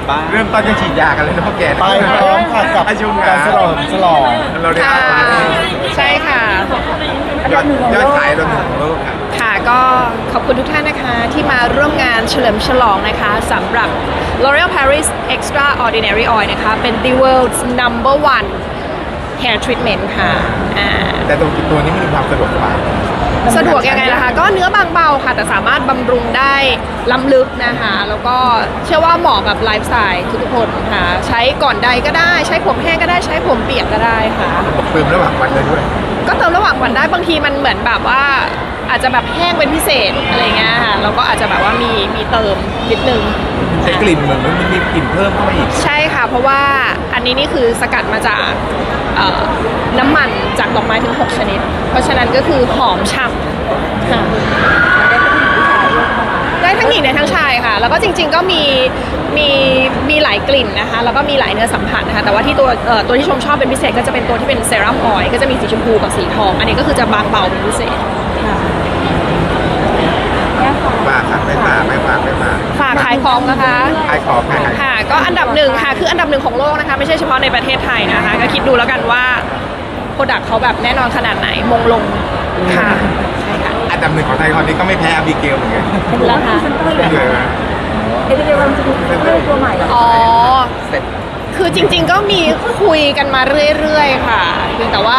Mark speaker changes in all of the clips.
Speaker 1: บ้าง
Speaker 2: เริ่มต้นจะฉีดยากันเลยนะพ่อแก
Speaker 3: ไปพร้อมค่ะกับ
Speaker 2: อายุง
Speaker 3: การฉลอง
Speaker 2: เราได้
Speaker 4: ค่ะใช่ค่ะ
Speaker 2: ยอดขายเราหนึ่งของโลกค่ะ
Speaker 4: ค่ะก็ขอบคุณทุกท่านนะคะที่มาร่วมงานเฉลิมฉลองนะคะสำหรับ L'Oréal Paris Extraordinary Oil นะคะเป็น the world's number one hair treatment ค่ะ
Speaker 2: แต่ตัวนี้มีความสะดวกสบาย
Speaker 4: สะดวกยังไงล่ะคะก็เนื้อบางเบาค่ะแต่สามารถบำรุงได้ล้ำลึกนะคะแล้วก็เชื่อว่าเหมาะกับไลฟ์สไตล์ทุกคนค่ะใช้ก่อนใดก็ได้ใช้ผมแห้งก็ได้ใช้ผมเปียกก็ได้ค่ะ
Speaker 2: เติมระหว่างวันได้ด้วย
Speaker 4: ก็เติมระหว่างวันได้บางทีมันเหมือนแบบว่าอาจจะแบบแห้งเป็นพิเศษอะไรเงี้ยค่ะเราก็อาจจะแบบว่ามีเติมนิดนึง
Speaker 2: ใช้กลิ่นเหมือนมันมีกลิ่นเพิ่มเข้ามาอีก
Speaker 4: ใช่ค่ะเพราะว่าอันนี้นี่คือสกัดมาจากน้ำมันจากดอกไม้ถึง6ชนิดเพราะฉะนั้นก็คือหอมฉ่ำค่ะได้ทั้งหญิงได้ทั้งชายค่ะแล้วก็จริงๆก็มีหลายกลิ่นนะคะแล้วก็มีหลายเนื้อสัมผัสนะคะแต่ว่าที่ตัวที่ชมชอบเป็นพิเศษก็จะเป็นตัวที่เป็นเซรั่มออยล์ก็จะมีสีชมพูกับสีทองอันนี้ก็คือจะบางเบาเป็นพิเศษ
Speaker 2: ฝากครับไม่ฝาก
Speaker 4: ฝากขายของนะคะ
Speaker 2: ขายของขาย
Speaker 4: ค่ะก็อันดับหนึ่งค่ะคืออันดับหนึ่งของโลกนะคะไม่ใช่เฉพาะในประเทศไทยนะคะก็คิดดูแล้วกันว่าโปรดักต์เขาแบบแน่นอนขนาดไหนมงลงค่ะใช่ค่ะ
Speaker 2: อันดับหนึ่งของไทยตอนนี้ก็ไม่แพ้อบิเกลเหมือนกัน
Speaker 4: แล้วค่ะ
Speaker 2: เลยนะ
Speaker 5: เอเดเรลจะมีเรื่องตัวใหม่เหรอ
Speaker 4: อ๋อคือจริงๆก็มีคุยกันมาเรื่อยๆค่ะเพียงแต่ว่า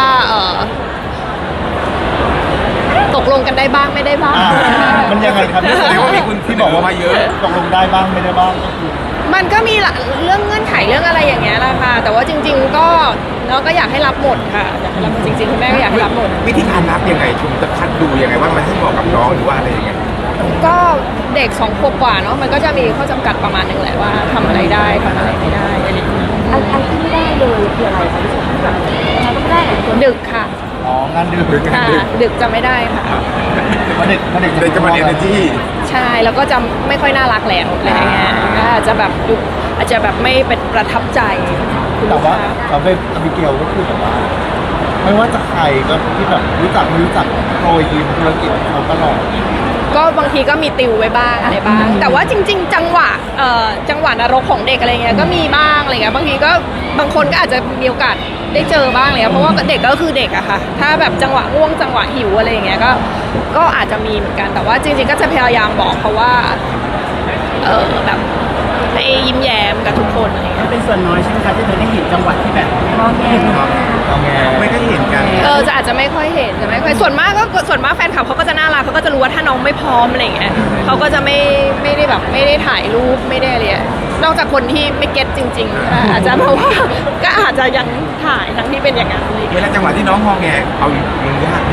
Speaker 4: ตกลงกันได้บ้างไม่ได้บ้าง
Speaker 3: มันยังไงครับ
Speaker 2: แสดงว่ามีคุณที่บอกว่ามาเยอะ
Speaker 3: ตกลงได้บ้างไม่ได้บ้างก็คือ
Speaker 4: มันก็มีเรื่องเงื่อนไขเรื่องอะไรอย่างเงี้ยแหละค่ะแต่ว่าจริงๆก็เราก็อยากให้รับหมดค่ะอยากให้รับหมดจริงๆคุณแม่ก็อยากให้รับหมด
Speaker 2: วิธีการรับยังไงคุณจะคัดดูยังไงว่ามันให้เหมาะกับน้องหรือว่าอะไรยังไง
Speaker 4: ก็เด็ก2 ขวบกว่าเนาะมันก็จะมีข้อจำกัดประมาณนึงแหละว่าทำอะไรได้ทำอะไรไม่ได้อะไรอย่างเงี้ย
Speaker 5: อันที่ไม่ได้เลยคืออะไรคะพี่ชมแบบยังไงก็ไม่ได้อะตัว
Speaker 4: ดึกค่ะ
Speaker 3: อ๋องานดื่ม
Speaker 4: ค่ะดึกจะไม่ได้ค่ะ
Speaker 3: เพราะเด็ก
Speaker 2: เด็กจะมาเรียนในที่
Speaker 4: ใช่แล้วก็จะไม่ค่อยน่ารักแล้วอะไรอย่างเงี้ยก็อาจจะแบบดูอาจจะแบบไม่เป็นประทับใจคุณ
Speaker 3: แต่
Speaker 4: ลูก
Speaker 3: ว่า
Speaker 4: ค้า
Speaker 3: เราเป็นอบิเกลก็คือแบบว่า ไม่ว่าจะใครก็ที่แบบรู้จักไม่รู้จักโปรยยืมธุรกิจเขาตลอด
Speaker 4: ก็บางทีก็มีติวไว้บ้างอะไรบ้าง แต่ว่าจริง ๆ จังหวะนรกของเด็กอะไรเงี้ยก็มีบ้างอะไรเงี้ยบางทีก็บางคนก็อาจจะมีโอกาสได้เจอบ้างเลยเพราะว่าเด็กก็คือเด็กอะค่ะถ้าแบบจังหวะง่วงจังหวะหิวอะไรอย่างเงี้ยก็อาจจะมีเหมือนกันแต่ว่าจริงๆก็จะพยายามบอกเขาว่าแบบให้ยิ้มแย้มกับทุกคนอะไรเงี้ย
Speaker 1: เป็นส่วนน้อยใช่ไหมคะที่เธอได้เห็นจังหวัดที่แบบ
Speaker 5: มองแง่
Speaker 2: ไม่ค่อยเห็นกัน
Speaker 4: จะอาจจะไม่ค่อยเห็นจะไม่ค่อยส่วนมากแฟนคลับเขาก็จะน่ารักเขาก็จะรู้ว่าถ้าน้องไม่พร้อมอะไรอย่างเงี้ยเขาก็จะไม่ได้แบบไม่ได้ถ่ายรูปไม่ได้อะไรนอกจากคนที่ไม่เก็ตจริงๆอาจจะเพราะว่าก็อาจจะยังถ่ายทั้งที่เป็นอย่างนั้นอะไรอย่าง
Speaker 2: เว
Speaker 4: เงี้ย
Speaker 2: ลาจังหวะที่น้องงอแงเอามันยาก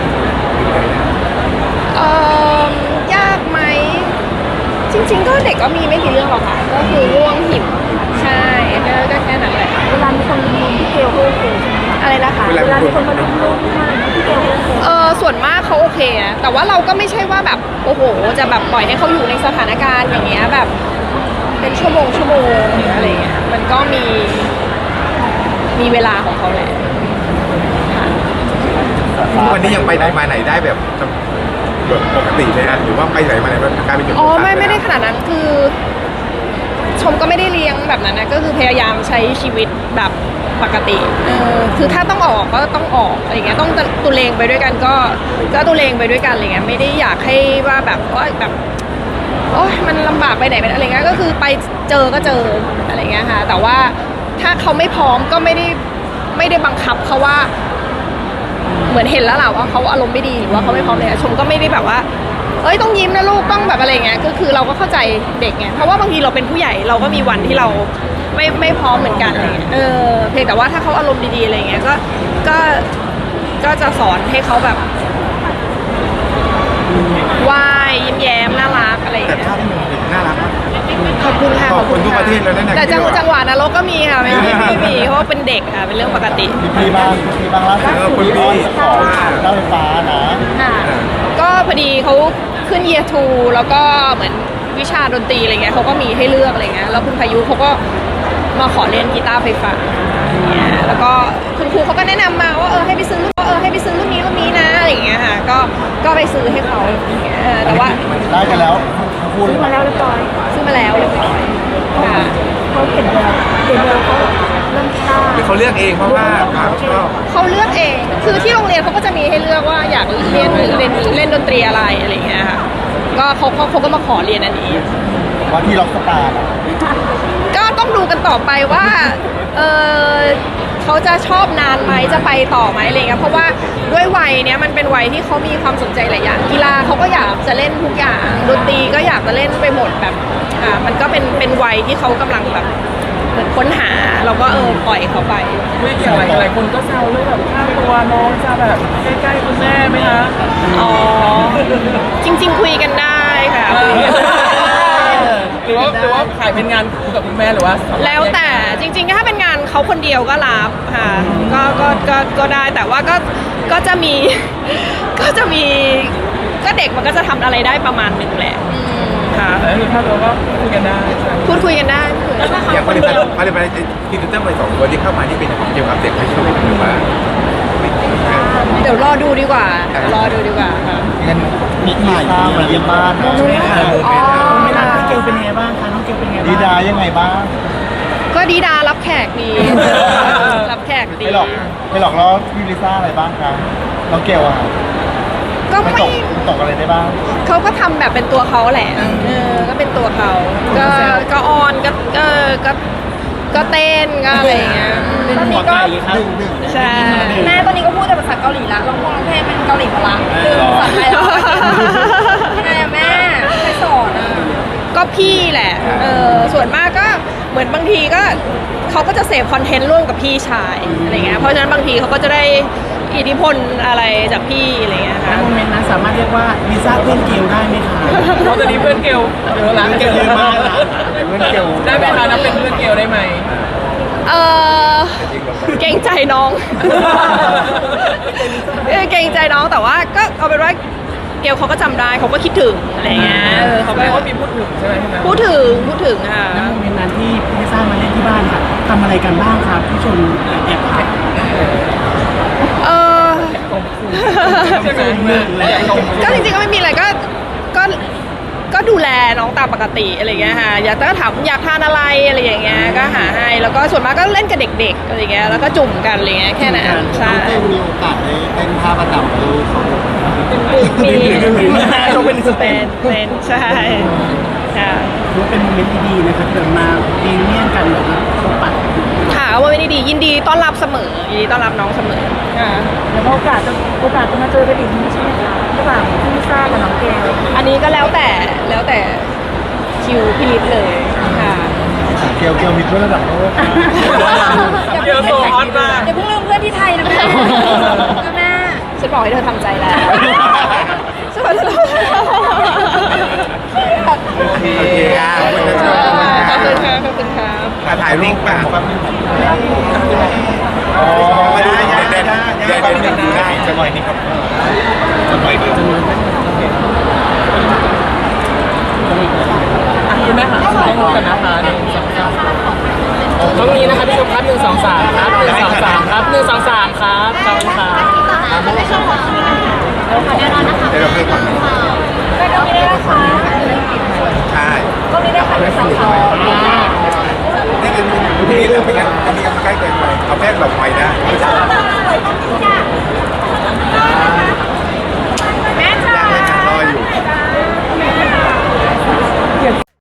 Speaker 4: ยากไหมจริงๆก็เด็กก็มีไม่กี่เรื่องหรอกค่ะก็คือง่วงหิวใช่ก็แค่นั้นแหละ
Speaker 5: เวลามีคนมาดูพี่เกลก็โอเคใช่ไหมคะ
Speaker 4: อะไรนะคะ
Speaker 5: เวลามีคนมาดูลูกที่บ้านพี่เกลก็โอเค
Speaker 4: ส่วนมากเขาโอเคนะแต่ว่าเราก็ไม่ใช่ว่าแบบโอ้โหจะแบบปล่อยให้เขาอยู่ในสถานการณ์อย่างเงี้ยแบบเป็นชั่วโมงหรืออะไรเงี้ยมันก็มีเวลาของเขาแหละค่ะ
Speaker 2: วันนี้ยังไปไหนมาไหนได้แบบปกติเลยนะหรือว่าไปไหนมาไหนแบบกลายเป็นจุด
Speaker 4: ไม่ได้ขนาดนั้นคือ ชมก็ไม่ได้เลี้ยงแบบนั้นนะก็คือพยายามใช้ชีวิตแบบปกติคือถ้าต้องออกก็ต้องออกอะไรเงี้ยต้องตุเลงไปด้วยกันก็ตุเลงไปด้วยกันอะไรเงี้ยไม่ได้อยากให้ว่าแบบว่าแบบโอ๊ยมันลำบากไปไหนเป็นอะไรเงี้ยก็คือไปเจอก็เจออะไรเงี้ยค่ะแต่ว่าถ้าเขาไม่พร้อมก็ไม่ได้บังคับเขาว่าเหมือนเห็นแล้วแหละว่าเขาอารมณ์ไม่ดีหรือว่าเขาไม่พร้อมเลยชมก็ไม่ได้แบบว่าเอ้ยต้องยิ้มนะลูกต้องแบบอะไรเงี้ยก็คือเราก็เข้าใจเด็กไงเพราะว่าบางทีเราเป็นผู้ใหญ่เราก็มีวันที่เราไม่พร้อมเหมือนกันอะไรเงี้ยเพียงแต่ว่าถ้าเขาอารมณ์ดีๆอะไรเงี้ยก็จะสอนให้เขาแบบว่ายยิ้มแย้มน่ารักอะไร
Speaker 2: แต่
Speaker 4: เงี้ย
Speaker 2: ภาพที่มันน่ารักมาก
Speaker 4: ขอบคุณค่ะ
Speaker 2: ขอบคุณทุกประเทศเลยนะ
Speaker 4: แต่จังหวะนรกก็มีค่ะไม่มีเพราะว่าเป็นเด็กค่ะเป็นเรื่องปกติ
Speaker 3: พี่บ้างล่าสุดคุณพี่ของรถไฟฟ้านะ
Speaker 4: ค่ะก็พอดีเขาขึ้น year 2แล้วก็เหมือนวิชาดนตรีอะไรเงี้ยเขาก็มีให้เลือกอะไรเงี้ยแล้วคุณพายุเขาก็มาขอเรียนกีตาร์ไฟฟ้าเนี่ยแล้วก็คุณครูเขาก็แนะนำมาว่าให้ไปซื้อรุ่นนี้นะอะไรอย่างเงี้ยค่ะก็ไปซื้อให้เขาอย่างเงี้ยแต่ว่า
Speaker 3: ได้กันแล้วคู่เล
Speaker 5: ซื้
Speaker 3: ย
Speaker 5: อมาแล้วเรียบร้อย
Speaker 4: ซื้อมาแล้วเรียบร้อยค่ะ
Speaker 5: เขาเห็นแล้วเขาเริ่มกล้า
Speaker 2: หรือเขาเลือกเองเพราะว่าความชอบ
Speaker 4: เขาเลือกเอง คือที่โรงเรียนเขาก็จะมีให้เลือกว่าอยากเรียนเล่นดนตรีอะไรอะไรอย่างเงี้ยค่ะ ก็เขาก็มาขอเรียนอันนี้
Speaker 3: ว่าที่ล็อกสตาร์
Speaker 4: ก็ต้องดูกันต่อไปว่าเออเขาจะชอบนานไหมจะไปต่อไหมอะไรเงี้ยเพราะว่าด้วยวัยเนี้ยมันเป็นวัยที่เขามีความสนใจหลายอย่างกีฬาเขาก็อยากจะเล่นทุกอย่างดนตรีก็อยากจะเล่นไปหมดแบบมันก็เป็นวัยที่เขากำลังแบบเหมือนค้นหาเราก็ปล่อยเขาไป
Speaker 1: ไม่อย่างหลายคนก็แซวเรื่องแบบค่าตัวน้องจะแบบใกล้ๆคุณแม่ไหมคะ
Speaker 4: อ๋อจริง ๆ คุยกันได้ค่ะคุยกันได้
Speaker 1: หรือว่าขายเป็นงานคู่กับคุณแม่หรือว่า
Speaker 4: แล้วแต่จริงๆถ้าเป็นงานเขาคนเดียวก็รับค่ะก็ได้แต่ว่าก็จะมี ก็เด็กมันก็จะทำอะไรได้ประมาณหนึ่งแหละค่ะ
Speaker 1: แต่คือค่าตัวก็คุยกันได้ใช่ไหม
Speaker 4: พูดคุยกันได้คุยกันได้
Speaker 2: อย่างผลิตภัณฑ์พรีเซนเตอร์ใหม่สองตัวที่เข้ามาที่เป็นเกี่ยวกับเด็กไม่ใช่ไหมหรือว่า
Speaker 4: เดี๋ยวรอดูดีกว่าค่ะ
Speaker 3: งั้นมีถ่ายมาเยี่ยมบ้านนะ
Speaker 4: อ๋อ
Speaker 1: ไม่น่าพี่เกลเป็นไงบ้างคะน้องเกลเป็นไงบ้าง
Speaker 3: ดีดายังไงบ้าง
Speaker 4: ก็ดีดารับแขกดีรับแขกดี
Speaker 3: ไม่หลอกแล้วพี่ลิซ่าอะไรบ้างคะน้องเกลอะ
Speaker 4: ก็
Speaker 3: ไม่
Speaker 4: ไม่
Speaker 3: ตกอะไรได้บ้าง
Speaker 4: เขาก็ทำแบบเป็นตัวเขาแหละก็เป็นตัวเขาก็ออนก็เต้นก็อะไรอย่างเงี้ย
Speaker 5: ตอนนี้ก็
Speaker 4: ใช่
Speaker 5: แม่ตอนนี้ก็พูดแต่ภาษาเกาหลีละร้องเพลงเป็นเกาหลีหมดละภาษาไทยแล้วยังไงอะแม่ใครสอนอะ
Speaker 4: ก็พี่แหละส่วนมากก็เหมือนบางทีก็เขาก็จะเสพคอนเทนต์ร่วมกับพี่ชายอะไรเงี้ยเพราะฉะนั้นบางทีเขาก็จะได้อิทธิพลอะไรจากพี่อะไรเงี้ย
Speaker 1: ณ
Speaker 4: ค่ะ
Speaker 1: โมเมนต์นั้นสามารถเรียกว่าลิซ่าเพื่อนเกลได้ไหมคะเพราะตอนนี้เพื่อนเกลเยอะละเกลเยอะมากละ
Speaker 3: เพื่อนเกล
Speaker 1: ได้ไหมคะนับเป็นเพื่อนเกลได้ไหม
Speaker 4: เออเกรงใจน้องเกรงใจน้องแต่ว่าก็เอาเป็นว่าเกลเขาก็จำได้เขาก็คิดถึงอะไรเงี้ยเขา
Speaker 1: แปล
Speaker 4: ก็
Speaker 1: ว่ามีพูดถึงใช่ไหมพี่แม่
Speaker 4: พูดถึงค่ะ
Speaker 1: ณโมเมนต์นั้นที่พี่ลิซ่ามาเล่นที่บ้านค่ะทำอะไรกันบ้างครับพี่ชนแอบถ่าย
Speaker 4: เออ
Speaker 1: ใช่ไหมแอบชม
Speaker 4: ก็จริงๆก็ไม่มีอะไรก็ดูแลน้องตามปกติอะไรเงี้ยค่ะอยากถามอยากทานอะไรอะไรอย่างเงี้ยก็หาให้แล้วก็ส่วนมากก็เล่นกับเด็กๆอะไรเงี้ยแล้วก็จุ่มกันอะไรเงี้ยแค่นั้นใช่
Speaker 3: มีโอกาสได้เต้นท่าประจำดูเขา
Speaker 4: มี
Speaker 1: ชมเป็นสเต็ป
Speaker 4: เป็นใช่ค่ะ
Speaker 1: ถือว่าเป็นโมเมนต์ที่ดีนะครับเดินมาดีเมี่ยงกันแบบว่าพบปะ
Speaker 4: ค่ะว่าไม่ได้ดียินดีต้อนรับเสมอยินดีต้อนรับน้องเสมอค่ะ
Speaker 5: แล้วโอกาสจะมาเจอกันอีกนี้ใช่ไหมคะระหว่างพี่ลิซ่ากับน้องเกล
Speaker 4: อันนี้ก็แล้วแต่คิวพี่ลิศเลยค่ะ
Speaker 3: เกลมีเพื่อนระดับโลก
Speaker 1: เกลโซฮอตมาก
Speaker 5: อย่าเพิ่งลืมเพื่อนที่ไทยนะแม่แม่
Speaker 4: ฉันบอกให้เธอทำใจแล้วฉันบอกให้เธอ
Speaker 2: โอเคครับ
Speaker 4: ขอบคุณค่ะขอบคุณค่ะ
Speaker 2: ถ่ายรูปป่ะไม่ได้เด่นได้จะหน่อยนี่ครับจะหน่อยเดียว
Speaker 1: คุณแม่ค่ะให้รู้กันนะคะต้องนี้นะคะพี่ชมครับ1 2 3ครับ1 2 3ครับ1 2 3ครับขอบคุณครับ
Speaker 2: เดี๋ยวเราให้ก่อน
Speaker 5: ได้ก็ไม่ได้นะคะ
Speaker 2: ใช่
Speaker 5: ก็ไม่ได้ค่ะเป็นสอง
Speaker 2: นี่คือนี่เราไม่งั้นอันนี้มันใกล้เกินไปเอาแป้งหลบไปนะไม่ใช่